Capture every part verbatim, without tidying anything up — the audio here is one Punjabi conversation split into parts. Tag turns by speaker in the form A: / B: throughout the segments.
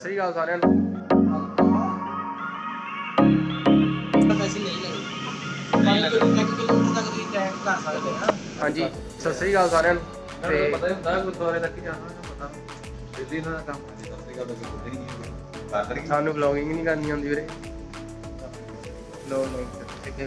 A: ਸਹੀ ਗੱਲ ਸਾਰਿਆਂ ਨੂੰ
B: ਪੈਸੇ ਨਹੀਂ ਲੱਗਦੇ ਇੱਕ ਕਿਲੋਮੀਟਰ ਤੱਕ ਤੁਸੀਂ ਟਰੈਕ ਕਰ ਸਕਦੇ ਹਾਂ।
A: ਹਾਂਜੀ ਸਤਿ ਸ੍ਰੀ ਅਕਾਲ ਸਾਰਿਆਂ ਨੂੰ। ਤੇ
C: ਪਤਾ ਹੀ ਹੁੰਦਾ ਗੁਰਦੁਆਰੇ ਤੱਕ ਹੀ ਜਾਣਾ ਪਤਾ ਦਿੱਲੀ ਦਾ ਕੰਮ ਹੈ ਸਸਤੀ ਗੱਲ ਕਰਦੇ ਹੀ ਨਹੀਂ
A: ਸਾਨੂੰ ਵਲੌਗਿੰਗ ਨਹੀਂ ਕਰਨੀ ਆਉਂਦੀ ਵੀਰੇ। ਲੋ ਲੋ ਠੀਕ ਹੈ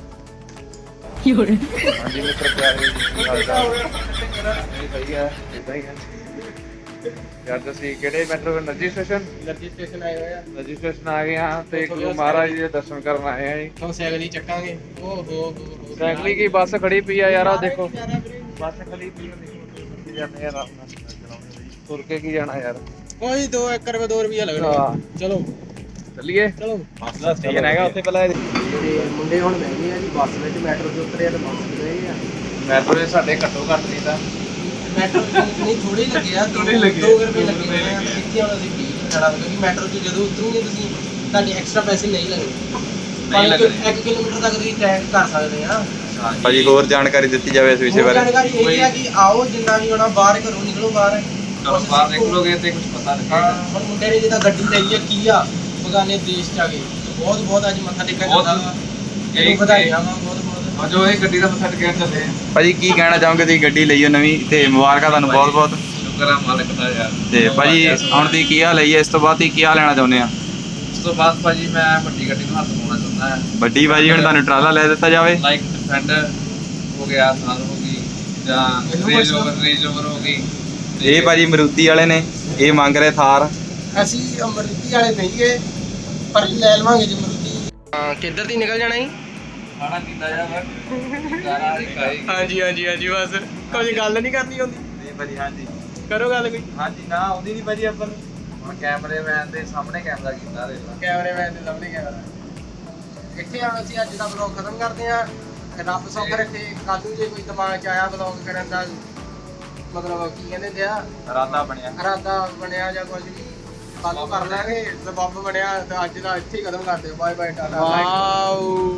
C: ਹਾਂਜੀ ਮਿੱਤਰ ਪਿਆਰੇ ਜੀ ਹਾਲ ਚਾਲ ਨਹੀਂ ਸਹੀ ਹੈ ਇਦਾਂ ਹੀ ਹੈ ਯਾਰ ਤੁਸੀਂ ਕਿਹੜੇ ਮੈਟਰੋ ਨਰਜੀ ਸਟੇਸ਼ਨ
A: ਨਰਜੀ ਸਟੇਸ਼ਨ ਆਏ ਹੋਏ ਆ।
C: ਨਰਜੀ ਸਟੇਸ਼ਨ ਆ ਗਏ ਆ ਤੇ ਗੁਰੂ ਮਹਾਰਾਜ ਜੀ ਦੇ ਦਰਸ਼ਨ ਕਰਨ ਆਏ ਆ ਜੀ।
A: ਤੋਂ ਸਾਈਕਲ ਹੀ ਚੱਕਾਂਗੇ। ਓ ਹੋ ਹੋ
C: ਸਾਈਕਲੀ ਕੀ ਬੱਸ ਖੜੀ ਪਈ ਆ ਯਾਰ ਆ ਦੇਖੋ ਬੱਸ ਖੜੀ ਪਈ ਆ ਦੇਖੋ ਜਾਂਦੇ ਯਾਰ ਆਪਣਾ ਚਲਾਉਂਦੇ ਤੁਰ ਕੇ ਕੀ ਜਾਣਾ ਯਾਰ
A: ਕੋਈ ਦੋ ਇੱਕ ਰੁਪਏ ਦੋ ਰੁਪਏ ਲੱਗਣੇ। ਚਲੋ
C: ਚੱਲੀਏ
A: ਚਲੋ
C: ਬੱਸ ਦਾ ਸਟੇਸ਼ਨ ਹੈਗਾ ਉੱਥੇ ਪਹਿਲਾਂ
A: ਤੇ ਮੁੰਡੇ ਹੁਣ ਬਹਿ ਗਏ ਆ ਜੀ ਬੱਸ ਵਿੱਚ। ਮੈਟਰੋ ਤੇ ਉਤਰੇ ਆ ਤੇ ਬੱਸ ਤੇ ਗਏ ਆ।
C: ਮੈਟਰੋ ਦੇ ਸਾਡੇ ਘੱਟੋ ਘੱਟ ਨਹੀਂ ਤਾਂ
A: ਮੈਟਰੋ ਨਹੀਂ ਥੋੜੇ ਲੱਗੇ ਆ
C: ਥੋੜ੍ਹੇ ਲੱਗੇ ਆ,
A: ਦੋ ਰੁਪਏ
C: ਦੋ
A: ਲੱਗੇ
C: ਰੁਪਏ
A: ਆ।
C: ਲੱਗੇ ਆ।
A: ਇੱਥੇ ਹੁਣ ਅਸੀਂ ਵੀਹ ਖੜਾ ਕਿਉਂਕਿ ਮੈਟਰੋ 'ਚ ਜਦੋਂ ਉਤਰੋਗੇ ਤੁਸੀਂ ਤੁਹਾਡੇ ਐਕਸਟਰਾ ਪੈਸੇ ਨਹੀਂ ਲੱਗਣੇ।
C: ਨਹੀਂ ਲੱਗਣੇ।
A: ਇੱਕ ਕਿਲੋਮੀਟਰ ਤੱਕ ਤੁਸੀਂ ਟਰੈਕ ਕਰ ਸਕਦੇ ਆ।
D: ਭਾਜੀ ਹੋਰ ਜਾਣਕਾਰੀ ਦਿੱਤੀ ਜਾਵੇ ਇਸ ਵਿਸ਼ੇ
A: ਹੋਰ
D: ਬਾਰੇ।
A: ਜਾਣਕਾਰੀ ਇਹ ਹੈ ਕਿ ਆਓ ਜਿੰਨਾ ਵੀ ਹੋਣਾ ਬਾਹਰ ਘਰੋਂ ਨਿਕਲੋ ਬਾਹਰ
C: ਘਰੋਂ ਬਾਹਰ ਨਿਕਲੋਗੇ ਤੇ ਕੁਝ ਪਤਾ ਲੱਗੇਗਾ।
A: ਹੁਣ ਮੁੰਡੇ ਨੇ ਜਿੱਦਾਂ ਗੱਡੀ ਲਈ ਹੈ ਕੀ ਆ ਬਗਾਨੇ ਦੇਸ਼ ਚ ਆ ਗਏ ਬਹੁਤ ਬਹੁਤ ਅੱਜ ਮੱਥਾ ਟੇਕਣ
C: ਬਹੁਤ
A: ਜਾਂਦਾ ਵਾ।
C: ਇਹ
A: ਇਹਨੂੰ ਵਧਾਈਆਂ ਵਾ ਬਹੁਤ ਬਹੁਤ।
C: ਆ ਜੋ ਇਹ ਗੱਡੀ ਦਾ ਮੱਥਾ ਟੇਕਣ ਚੱਲੇ ਆ
D: ਭਾਜੀ ਕੀ ਕਹਿਣਾ ਚਾਹੋਗੇ ਤੁਸੀਂ ਗੱਡੀ ਲਈ ਹੋ ਨਵੀਂ ਤੇ ਮੁਬਾਰਕਾਂ ਤੁਹਾਨੂੰ ਬਹੁਤ ਬਹੁਤ।
C: ਸ਼ੁਕਰ ਆ ਮਾਲਕ ਦਾ ਯਾਰ।
D: ਤੇ ਭਾਜੀ ਹੁਣ ਤੁਸੀਂ ਕੀ ਹਾਲ ਲਈ ਹੈ ਇਸ ਤੋਂ ਬਾਅਦ ਤੁਸੀਂ ਕੀ ਹਾਲ ਲੈਣਾ ਚਾਹੁੰਦੇ ਆ?
C: ਉਸ ਤੋਂ ਬਾਅਦ ਭਾਜੀ ਮੈਂ ਵੱਡੀ ਗੱਡੀ ਨੂੰ ਹੱਥ ਪਾਉਣਾ ਚਾਹੁੰਦਾ ਹਾਂ।
D: ਵੱਡੀ ਭਾਜੀ ਹੁਣ ਤੁਹਾਨੂੰ ਟਰਾਲਾ ਲੈ ਦਿੱਤਾ ਜਾਵੇ।
C: ਲਾਈਕ ਡਿਫੈਂਡਰ ਹੋ ਗਿਆ ਸਾਲ ਹੋ ਗਈ ਜਾਂ ਰੇਂਜ ਓਵਰ ਰੇਂਜ ਓਵਰ ਹੋ ਗਈ।
D: ਇਹ ਭਾਜੀ ਮਰੂਤੀ ਵਾਲੇ ਨੇ ਇਹ ਮੰਗ ਰਹੇ ਥਾਰ।
A: ਅਸੀਂ ਅਮਰਤੀ ਵਾਲੇ ਨਹੀਂ ਗਏ ਪਰ ਲੈ ਲਵਾਂਗੇ ਜੀ ਮਰੂਤੀ। ਹਾਂ ਕਿੱਧਰ ਦੀ ਨਿਕਲ ਜਾਣਾ ਜੀ?
C: ਖਾਣਾ ਪੀਂਦਾ ਜਾ ਮੈਂ ਸਾਰਾ ਰਿਕਾਈ
A: ਹਾਂਜੀ ਹਾਂਜੀ ਹਾਂਜੀ ਬਸ ਕੁਝ ਗੱਲ ਨਹੀਂ ਕਰਨੀ ਹੁੰਦੀ।
C: ਨਹੀਂ ਭਾਜੀ ਹਾਂਜੀ
A: ਕਰੋ ਗੱਲ ਕੋਈ।
C: ਹਾਂਜੀ ਨਾ ਆਉਂਦੀ ਨਹੀਂ ਭਾਜੀ ਆਪਾਂ ਨੂੰ ਹੁਣ ਕੈਮਰੇਮੈਨ ਦੇ ਸਾਹਮਣੇ ਕੈਮਰਾ ਕੀਤਾ ਦੇਖ ਲਾ।
A: ਕੈਮਰਾਮੈਨ ਦੇ ਸਾਹਮਣੇ ਕੈਮਰਾ। ਇੱਥੇ ਹੁਣ ਅਸੀਂ ਅੱਜ ਦਾ ਵਲੌਗ ਖਤਮ ਕਰਦੇ ਹਾਂ। ਰੱਬ ਸੁੱਖ ਰੱਖੇ ਕੱਲ ਨੂੰ ਜੇ ਕੋਈ ਦਿਮਾਗ 'ਚ ਆਇਆ ਵਲੌਗ ਕਰਨ ਦਾ ਮਤਲਬ ਕੀ ਕਹਿੰਦੇ ਹੁੰਦੇ ਆ
C: ਇਰਾਦਾ ਬਣਿਆ
A: ਇਰਾਦਾ ਬਣਿਆ ਜਾਂ ਕੁਝ ਵੀ ਕੱਲ ਨੂੰ ਕਰ ਲਾਂਗੇ। ਸਬੱਬ ਬਣਿਆ ਤਾਂ ਅੱਜ ਦਾ ਇੱਥੇ ਹੀ ਖਤਮ ਕਰਦੇ ਹਾਂ। ਬਾਏ ਬਾਏ ਟਾਟਾ। Wow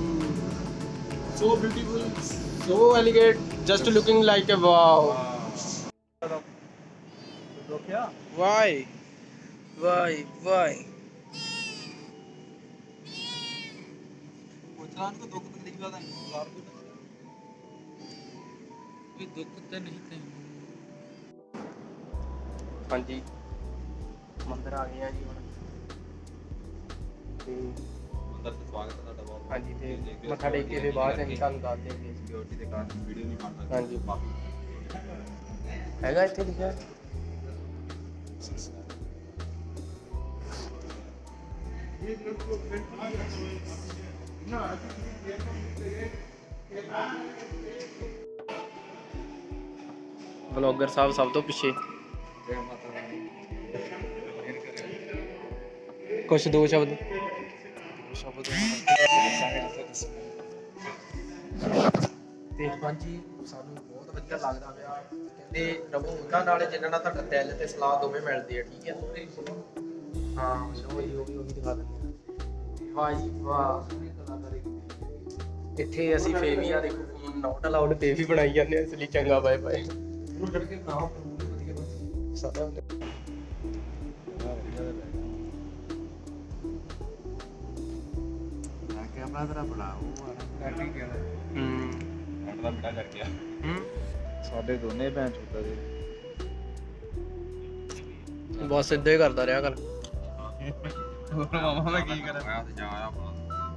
A: so beautiful so elegant just looking like a wow.
C: ਰੋਕਿਆ
A: ਵਾਈ ਵਾਈ ਵਾਈ
C: ਪੁੱਛਣਾ ਨੂੰ ਦੁੱਖ ਤਕਲੀਫ ਦਾ ਲਾਭ ਕੋਈ ਦੁੱਖ ਤੇ ਨਹੀਂ ਤੈਨੂੰ।
A: ਹਾਂਜੀ ਮੰਦਿਰ ਆ ਗਏ ਆ ਜੀ ਹੁਣ ਤੇ
C: ਅੰਦਰ ਤੇ ਸਵਾਗਤ ਹੈ ਤੁਹਾਡਾ ਬਹੁਤ।
A: ਹਾਂਜੀ ਤੇ ਮੱਥਾ ਟੇਕ ਕੇ ਫਿਰ ਬਾਅਦ ਅਸੀਂ ਤੁਹਾਨੂੰ ਦੱਸ ਦੇਵਾਂਗੇ।
C: ਸਿਕਿਉਰਿਟੀ ਦੇ ਕਾਰਨ ਵੀਡੀਓ ਨਹੀਂ ਬਣ ਸਕਦੀ।
A: ਹਾਂਜੀ ਹੈਗਾ ਇੱਥੇ ਲਿਖਿਆ। ਵਲੌਗਰ ਸਾਹਿਬ ਸਭ ਤੋਂ ਪਿੱਛੇ।
C: ਜੈ ਮਾਤਾ ਰਾਣੀ। ਮਿਹਰ ਕਰੇ।
A: ਕੁਛ ਦੋ ਸ਼ਬਦ
C: ਸ਼ਬਦ ਦੱਸਾਂਗੇ ਜਿੱਥੇ
A: ਤੇ ਹਾਂਜੀ ਸਾਨੂੰ ਬਹੁਤ ਵਧੀਆ ਲੱਗਦਾ ਪਿਆ। ਕਹਿੰਦੇ ਰਵੋ ਉਹਨਾਂ ਨਾਲ ਜਿਨ੍ਹਾਂ ਨਾਲ ਤੁਹਾਡਾ ਦਿਲ ਤੇ ਸਲਾਹ ਦੋਵੇਂ ਮਿਲਦੀ ਹੈ। ਠੀਕ ਹੈ ਹਾਂ ਉਹ ਹੀ ਉਹ ਵੀ ਉਹ ਵੀ ਦਿਖਾ ਦਿੰਦੇ ਆ। ਵਾਹ ਜੀ ਵਾਹ ਇੱਥੇ ਅਸੀਂ ਫੇਵੀਆ ਦੇਖੋ ਨੋਟ ਅਲਾਉਡ ਪੇ ਵੀ ਬਣਾਈ ਜਾਂਦੇ ਆ। ਇਸ ਲਈ ਚੰਗਾ ਬਾਏ ਬਾਏ
C: ਉਹਨੂੰ ਛੱਡ ਕੇ ਬਣਾਓ ਵਧੀਆ ਬਸ।
A: ਸਾਰਾ
C: ਕੈਮਰਾ ਤੇਰਾ ਬੜਾ ਉਹ ਐਕਟਿੰਗ ਕਿਹਾ
A: ਹੂੰ
C: ਐਂਡ ਦਾ ਬੇਟਾ ਕਰ ਗਿਆ।
A: ਹੂੰ
C: ਸਾਡੇ ਦੋਨੇ ਭੈਣ ਚੋਦਾ ਦੇ
A: ਬਸ ਇਦਾਂ ਹੀ ਕਰਦਾ ਰਿਹਾ ਕਰ।
C: ਹੋਰ ਮਾਮਾ ਮੈਂ ਕੀ ਕਰਾਂ ਮੈਂ ਤੇ ਜਾ ਆਇਆ
A: ਹੂੰ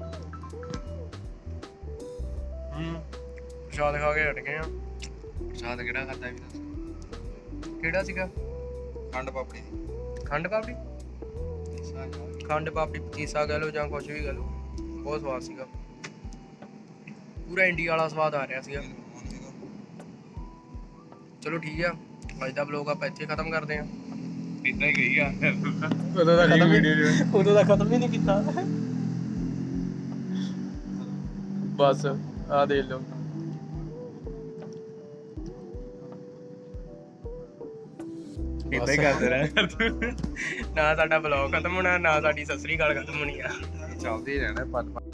A: ਪ੍ਰਸ਼ਾਦ ਖਾ ਕੇ ਹਟ ਗਏ ਆ।
C: ਪ੍ਰਸ਼ਾਦ ਕਿਹੜਾ ਖਾਦਾ ਵੀ ਦੱਸ।
A: ਕਿਹੜਾ ਸੀਗਾ?
C: ਖੰਡ ਪਾਪੜੀ ਦੀ
A: ਖੰਡ ਪਾਪੜੀ। ਖੰਡ ਪਾਪੜੀ ਪਤੀਸਾ ਕਹਿ ਲਓ ਜਾਂ ਕੁਝ ਵੀ ਕਹਿ ਲਓ ਬਹੁਤ ਸਵਾਦ ਸੀਗਾ। ਪੂਰਾ ਇੰਡੀਆ ਵਾਲਾ ਸਵਾਦ ਆ ਰਿਹਾ ਸੀਗਾ। ਚਲੋ ਠੀਕ ਆ ਅੱਜ ਦਾ ਵਲੌਗ ਆਪਾਂ ਇੱਥੇ ਖਤਮ ਕਰਦੇ ਹਾਂ।
C: ਇਦਾਂ ਹੀ ਗਈ ਆ
A: ਉਦੋਂ ਦਾ ਖਤਮ ਉਦੋਂ ਦਾ ਖਤਮ ਹੀ ਨਹੀਂ ਕੀਤਾ। ਬਸ ਆ ਦੇਖ ਲਓ।
C: ਇਦਾਂ ਹੀ ਕਰਦੇ ਰਹਿ
A: ਨਾ ਸਾਡਾ ਵਲੌਗ ਖਤਮ ਹੋਣਾ ਨਾ ਸਾਡੀ ਸਤਿ ਸ੍ਰੀ ਅਕਾਲ ਖਤਮ ਹੋਣੀ ਆ।
C: ਚੱਲਦੇ ਹੀ ਰਹਿਣਾ ਪੰਜ